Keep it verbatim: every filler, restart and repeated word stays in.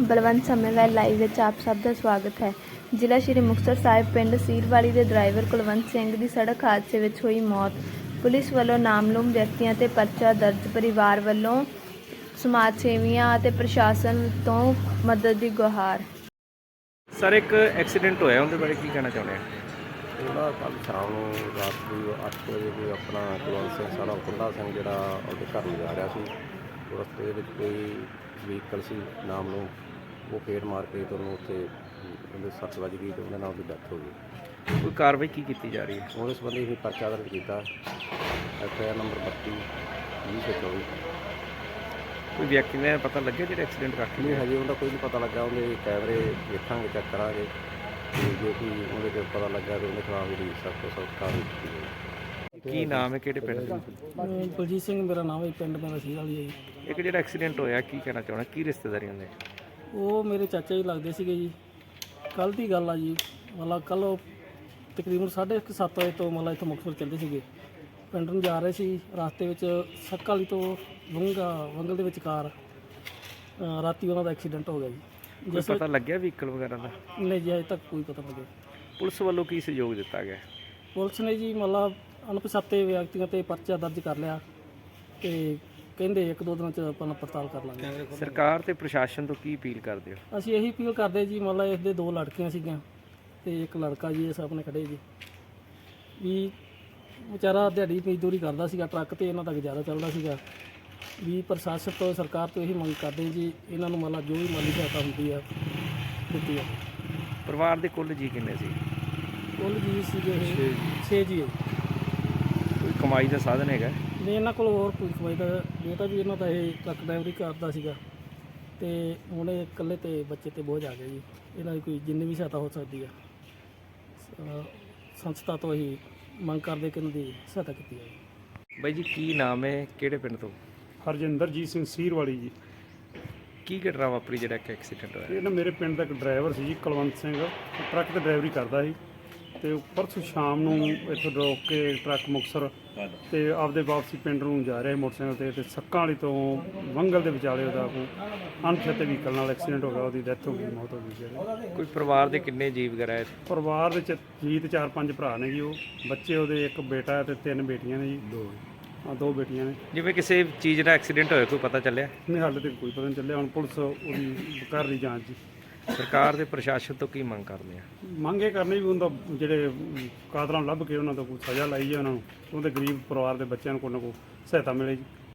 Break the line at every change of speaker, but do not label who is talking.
Balwant ਸਮੇਂਵਾਲ live ਵਿੱਚ ਆਪ ਸਭ ਦਾ ਸਵਾਗਤ ਹੈ। ਜ਼ਿਲ੍ਹਾ ਸ਼੍ਰੀ ਮੁਕਤਸਰ ਸਾਹਿਬ ਪਿੰਡ ਸੀਰਵਾਲੀ ਦੇ ਡਰਾਈਵਰ ਕੁਲਵੰਤ ਸਿੰਘ ਦੀ ਸੜਕ ਹਾਦਸੇ ਵਿੱਚ ਹੋਈ ਮੌਤ। ਪੁਲਿਸ ਵੱਲੋਂ ਨਾਮਲੂਮ ਵਿਅਕਤੀਆਂ 'ਤੇ ਪਰਚਾ ਦਰਜ। ਪਰਿਵਾਰ ਵੱਲੋਂ ਸਮਾਜ ਸੇਵੀਆਂ ਅਤੇ ਪ੍ਰਸ਼ਾਸਨ ਤੋਂ ਮਦਦ ਦੀ ਗੁਹਾਰ।
ਸਰ, ਇੱਕ ਐਕਸੀਡੈਂਟ ਹੋਇਆ, ਉਹਦੇ ਬਾਰੇ ਕੀ ਕਹਿਣਾ ਚਾਹੁੰਦੇ ਆ?
ਉਹਦਾ ਕੱਲ੍ਹ ਸ਼ਾਮ ਨੂੰ ਰਾਤ ਨੂੰ ਅੱਠ ਵਜੇ ਕੋਈ ਆਪਣਾ ਕੁਲਵੰਤ ਸਿੰਘ ਸਾਰਾ ਕੁੰਡਾ ਸਿੰਘ ਜਿਹੜਾ ਉਹਦੇ ਘਰ ਨੂੰ ਜਾ ਰਿਹਾ ਸੀ। ਉਹ ਰਸਤੇ ਦੇ ਵਿੱਚ ਕੋਈ ਵਹੀਕਲ ਸੀ ਨਾਮ ਨੂੰ, ਉਹ ਫੇਰ ਮਾਰ ਕੇ ਤੁਹਾਨੂੰ ਉੱਥੇ ਉਹਦੇ ਸੱਟ ਵੱਜ ਗਈ ਅਤੇ ਉਹਦੇ ਨਾਲ ਉਹਦੀ ਡੈਥ ਹੋ ਗਈ।
ਕੋਈ ਕਾਰਵਾਈ ਕੀ ਕੀਤੀ ਜਾ ਰਹੀ ਹੈ?
ਉਹਦੇ ਸੰਬੰਧੀ ਅਸੀਂ ਪਰਚਾ ਦਰਜ ਕੀਤਾ, ਐਫ ਆਈ ਆਰ ਨੰਬਰ ਬੱਤੀ ਵੀਹ ਸੌ ਚੌਵੀ।
ਕੋਈ ਵਿਅਕਤੀ ਨੇ ਪਤਾ ਲੱਗਿਆ ਜਿਹੜਾ ਐਕਸੀਡੈਂਟ ਕਰਕੇ?
ਨਹੀਂ, ਹਜੇ ਉਹਦਾ ਕੋਈ ਨਹੀਂ ਪਤਾ ਲੱਗਾ। ਉਹਦੇ ਕੈਮਰੇ ਵੇਖਾਂਗੇ, ਚੈੱਕ ਕਰਾਂਗੇ, ਅਤੇ ਜੇ ਕੋਈ ਉਹਦੇ 'ਤੇ ਪਤਾ ਲੱਗਾ ਤਾਂ ਉਹਦੇ ਖਿਲਾਫ ਜਿਹੜੀ ਸਖਤ ਤੋਂ ਸਖਤ ਕਾਰਵਾਈ ਕੀਤੀ ਜਾਵੇਗੀ।
ਕੀ ਨਾਮ ਹੈ, ਕਿਹੜੇ ਪਿੰਡ ਦਾ?
ਬਲਜੀਤ ਸਿੰਘ ਮੇਰਾ ਨਾਮ ਹੈ, ਪਿੰਡ ਮੇਰਾ ਸੀਰਵਾਲੀ ਹੈ ਜੀ।
ਇੱਕ ਜਿਹੜਾ ਐਕਸੀਡੈਂਟ ਹੋਇਆ, ਕੀ ਕਹਿਣਾ ਚਾਹੁੰਦਾ? ਕੀ ਰਿਸ਼ਤੇਦਾਰੀਆਂ ਦੇ?
ਉਹ ਮੇਰੇ ਚਾਚਾ ਜੀ ਲੱਗਦੇ ਸੀਗੇ ਜੀ। ਕੱਲ੍ਹ ਦੀ ਗੱਲ ਆ ਜੀ, ਮਤਲਬ ਕੱਲ੍ਹ ਉਹ ਤਕਰੀਬਨ ਸਾਢੇ ਕੁ ਸੱਤ ਵਜੇ ਤੋਂ ਮਤਲਬ ਇੱਥੋਂ ਮੁਕਤਸਰ ਚੱਲਦੇ ਸੀਗੇ, ਪਿੰਡ ਨੂੰ ਜਾ ਰਹੇ ਸੀ। ਰਸਤੇ ਵਿੱਚ ਸੱਕ ਵਾਲੀ ਤੋਂ ਵੰਗਾ ਵੰਗਲ ਦੇ ਵਿਚਕਾਰ ਅ, ਰਾਤੀ ਉਹਨਾਂ ਦਾ ਐਕਸੀਡੈਂਟ ਹੋ ਗਿਆ ਜੀ।
ਕੋਈ ਪਤਾ ਲੱਗਿਆ ਵਹੀਕਲ ਵਗੈਰਾ ਦਾ?
ਨਹੀਂ ਜੀ, ਅਜੇ ਤੱਕ ਕੋਈ ਪਤਾ ਨਹੀਂ ਲੱਗਿਆ।
ਪੁਲਿਸ ਵੱਲੋਂ ਕੀ ਸਹਿਯੋਗ ਦਿੱਤਾ ਗਿਆ?
ਪੁਲਿਸ ਨੇ ਜੀ ਮਤਲਬ ਅਣਪਛਾਤੇ ਵਿਅਕਤੀਆਂ 'ਤੇ ਪਰਚਾ ਦਰਜ ਕਰ ਲਿਆ ਅਤੇ ਕਹਿੰਦੇ ਇੱਕ ਦੋ ਦਿਨਾਂ 'ਚ ਆਪਾਂ ਪੜਤਾਲ ਕਰ ਲਾਂਗੇ।
ਸਰਕਾਰ ਤੇ ਪ੍ਰਸ਼ਾਸਨ ਤੋਂ ਕੀ ਅਪੀਲ ਕਰਦੇ ਹੋ?
ਅਸੀਂ ਇਹੀ ਅਪੀਲ ਕਰਦੇ ਜੀ, ਮਤਲਬ ਇਸਦੇ ਦੋ ਲੜਕੀਆਂ ਸੀਗੀਆਂ ਅਤੇ ਇੱਕ ਲੜਕਾ ਜੀ, ਇਹ ਸਾਹਮਣੇ ਖੜੇ ਜੀ, ਵੀ ਵਿਚਾਰਾ ਦਿਹਾੜੀ ਮਜ਼ਦੂਰੀ ਕਰਦਾ ਸੀਗਾ, ਟਰੱਕ 'ਤੇ ਇਹਨਾਂ ਦਾ ਗੁਜ਼ਾਰਾ ਚੱਲਦਾ ਸੀਗਾ। ਵੀ ਪ੍ਰਸ਼ਾਸਨ ਤੋਂ ਸਰਕਾਰ ਤੋਂ ਇਹੀ ਮੰਗ ਕਰਦੇ ਜੀ, ਇਹਨਾਂ ਨੂੰ ਮਤਲਬ ਜੋ ਵੀ ਮਾਲੀ ਸਹਾਇਤਾ ਹੁੰਦੀ ਆ ਦਿੱਤੀ ਆ।
ਪਰਿਵਾਰ ਦੇ ਕੁੱਲ ਜੀ ਕਿੰਨੇ ਸੀ?
ਕੁੱਲ ਜੀ ਸੀਗੇ ਇਹ ਛੇ ਜੀ ਹੈ।
ਕੋਈ ਕਮਾਈ ਦਾ ਸਾਧਨ ਹੈਗਾ?
ਨਹੀਂ, ਇਹਨਾਂ ਕੋਲ ਹੋਰ ਕੋਈ ਕਮਾਈ ਦਾ ਬੇਟਾ ਵੀ ਇਹਨਾਂ ਦਾ ਇਹ ਟਰੱਕ ਡਰਾਈਵਰੀ ਕਰਦਾ ਸੀਗਾ, ਅਤੇ ਹੁਣ ਇਹ ਇਕੱਲੇ 'ਤੇ ਬੱਚੇ 'ਤੇ ਬੋਝ ਆ ਗਿਆ ਜੀ। ਇਹਨਾਂ ਦੀ ਕੋਈ ਜਿੰਨੀ ਵੀ ਸਹਾਇਤਾ ਹੋ ਸਕਦੀ ਆ ਅ, ਸੰਸਥਾ ਤੋਂ ਹੀ ਮੰਗ ਕਰਦੇ ਕਿ ਇਹਨਾਂ ਦੀ ਸਹਾਇਤਾ ਕੀਤੀ ਜਾਵੇ।
ਬਾਈ ਜੀ, ਕੀ ਨਾਮ ਹੈ, ਕਿਹੜੇ ਪਿੰਡ ਤੋਂ?
ਹਰਜਿੰਦਰਜੀਤ ਸਿੰਘ ਸੀਰਵਾਲੀ ਜੀ।
ਕੀ ਘਟਨਾ ਵਾਪਰੀ ਜਿਹੜਾ ਕਿ ਐਕਸੀਡੈਂਟ ਹੋਇਆ?
ਇਹ ਨਾ ਮੇਰੇ ਪਿੰਡ ਦਾ ਇੱਕ ਡਰਾਈਵਰ ਸੀ ਜੀ, ਕੁਲਵੰਤ ਸਿੰਘ, ਉਹ ਟਰੱਕ ਤੇ ਡਰਾਈਵਰੀ ਕਰਦਾ ਸੀ, ਅਤੇ ਪਰਸੋਂ ਸ਼ਾਮ ਨੂੰ ਇੱਥੋਂ ਰੋਕ ਕੇ ਟਰੱਕ ਮੁਕਤਸਰ ਅਤੇ ਆਪਦੇ ਵਾਪਸੀ ਪਿੰਡ ਨੂੰ ਜਾ ਰਿਹਾ ਸੀ ਮੋਟਰਸਾਈਕਲ 'ਤੇ, ਅਤੇ ਸੱਕਾਂ ਵਾਲੀ ਤੋਂ ਵੰਗਲ ਦੇ ਵਿਚਾਲੇ ਉਹਦਾ ਕੋਈ ਅਣਪਛਾਤੇ ਵਹੀਕਲ ਨਾਲ ਐਕਸੀਡੈਂਟ ਹੋ ਗਿਆ, ਉਹਦੀ ਡੈਥ ਹੋ ਗਈ, ਮੌਤ ਹੋ ਗਈ ਜੀ।
ਕੋਈ ਪਰਿਵਾਰ ਦੇ ਕਿੰਨੇ ਜੀਅ ਵਗੈਰਾ ਹੈ?
ਪਰਿਵਾਰ ਦੇ ਚ ਜੀ ਤੇ ਚਾਰ ਪੰਜ ਭਰਾ ਨੇ ਜੀ। ਉਹ ਬੱਚੇ ਉਹਦੇ ਇੱਕ ਬੇਟਾ ਅਤੇ ਤਿੰਨ ਬੇਟੀਆਂ ਨੇ ਜੀ। ਦੋ ਹਾਂ ਦੋ ਬੇਟੀਆਂ ਨੇ।
ਜਿਵੇਂ ਕਿਸੇ ਚੀਜ਼ ਦਾ ਐਕਸੀਡੈਂਟ ਹੋਇਆ, ਕੋਈ ਪਤਾ ਚੱਲਿਆ?
ਨਹੀਂ, ਹਾਲੇ ਤੱਕ ਕੋਈ ਪਤਾ ਨਹੀਂ ਚੱਲਿਆ। ਹੁਣ ਪੁਲਿਸ ਉਹਦੀ ਕਰ ਰਹੀ ਜਾਂਚ ਜੀ।
ਸਰਕਾਰ ਦੇ ਪ੍ਰਸ਼ਾਸਨ ਤੋਂ ਕੀ ਮੰਗ ਕਰਦੇ ਆ?
ਮੰਗ ਇਹ ਕਰਨੀ ਵੀ ਉਹਦਾ ਜਿਹੜੇ ਕਾਤਲਾਂ ਨੂੰ ਲੱਭ ਕੇ ਉਹਨਾਂ ਤੋਂ ਕੋਈ ਸਜ਼ਾ ਲਾਈ ਜਾਏ, ਉਹਨਾਂ ਨੂੰ ਉਹਦੇ ਗਰੀਬ ਪਰਿਵਾਰ ਦੇ ਬੱਚਿਆਂ ਨੂੰ ਕੋਈ ਨਾ ਕੋਈ ਸਹਾਇਤਾ ਮਿਲੇ ਜੀ।